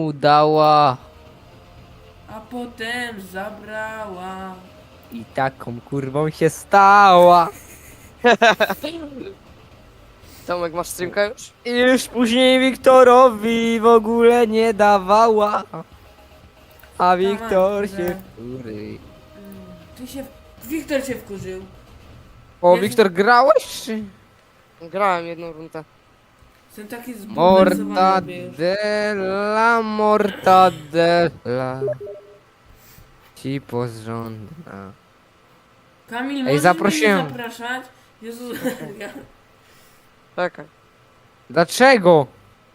mu dała A potem zabrała. i taką kurwą się stała. Tomek, masz streamka już? I już później Wiktorowi w ogóle nie dawała. A Wiktor że- się wkury. Wiktor się wkurzył. O, Jezu. Wiktor, grałeś czy? Grałem jedną rundę. Jestem taki zbulwersowany, wiesz. Mortadela. Ci porządna. Kamil, możesz zaprosiłem. mnie nie zapraszać? Jezus, ja... Czekaj. Dlaczego?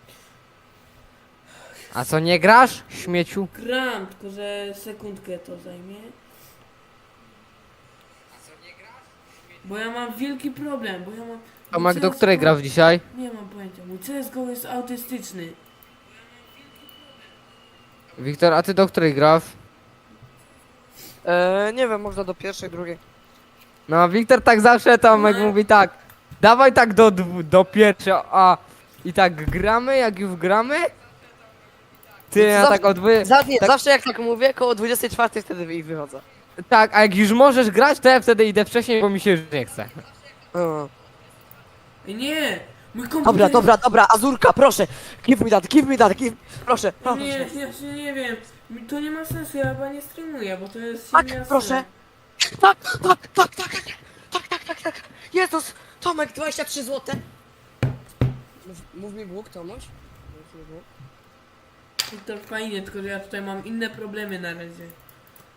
A co, nie grasz, śmieciu? gram, tylko że sekundkę to zajmie. Bo ja mam wielki problem, bo ja mam... Tomek, mój do której CS:GO grasz dzisiaj? Nie mam pojęcia, mój CSGO jest autystyczny. Wiktor, a ty do której grasz? Nie wiem, można do pierwszej, drugiej. No, Wiktor tak zawsze, Tomek mówi tak. Dawaj tak do pierwszej, a... I tak gramy, jak już gramy? Ty, ja Zawsze- tak odwy... Nie, tak, zawsze jak tak mówię, koło 24 wtedy ich wychodzę. tak, a jak już możesz grać, to ja wtedy idę wcześniej, bo mi się już nie chce. O. Ej, nie! Mój komputer... Dobra, Azurka, proszę! Give me that, proszę, proszę. Nie, ja się nie wiem. To nie ma sensu, ja chyba nie streamuję, bo to jest Tak, silna proszę. strona. Tak. Jezus, Tomek, 23 zł. Mów mi Bóg, Tomuś. To fajnie, tylko że ja tutaj mam inne problemy na razie.